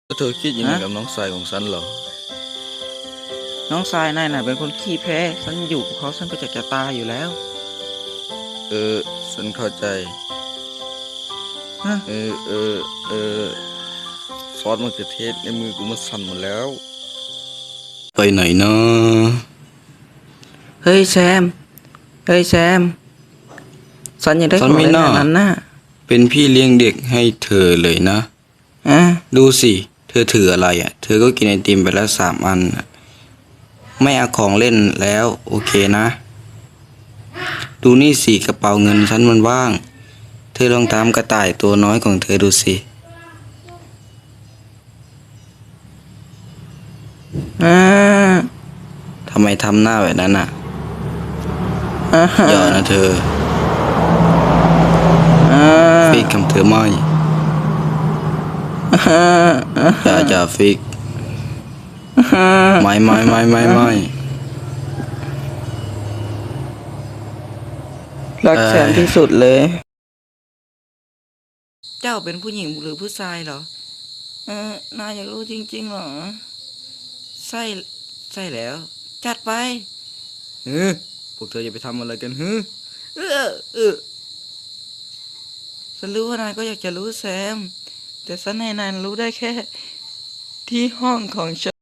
แล้วเธอคิดยังไงกับน้องชายของฉันเหรอน้องทรายนายน่ะเป็นคนขี้แพ้ฉันอยู่กับเขาฉันก็จะตายอยู่แล้วเออฉันเข้าใจฮะเออเออเออซอสมะเขือเทศในมือกูมันสั่นหมดแล้วไปไหนนะเฮ้ยแซมเฮ้ยแซมฉันอยากได้ของเล่นอันนั้นน่ะเป็นพี่เลี้ยงเด็กให้เธอเลยนะอ่ะดูสิเธอถืออะไรอ่ะเธอก็กินไอติมไปแล้ว3 อันน่ะไม่เอาของเล่นแล้วโอเคนะดูนี่สิกระเป๋าเงินฉันมันว่างเธอลองตามกระต่ายตัวน้อยของเธอดูสิอ่าทำไมทำหน้าแบบนั้นอ่ะอ่าอย่านะเธออ่าฟิกคำเธอไม่อ่าอย่าฟิกไม่รักแซมที่สุดเลย เจ้าเป็นผู้หญิงหรือผู้ชายเหรอ นายอยากรู้จริงๆเหรอ ใช่ใช่แล้ว จัดไปเฮ้พวกเธอจะไปทำอะไรกันฮึเออเออฉันรู้ว่านายก็อยากจะรู้แซม แต่ฉันให้นายรู้ได้แค่ที่ห้องของฉัน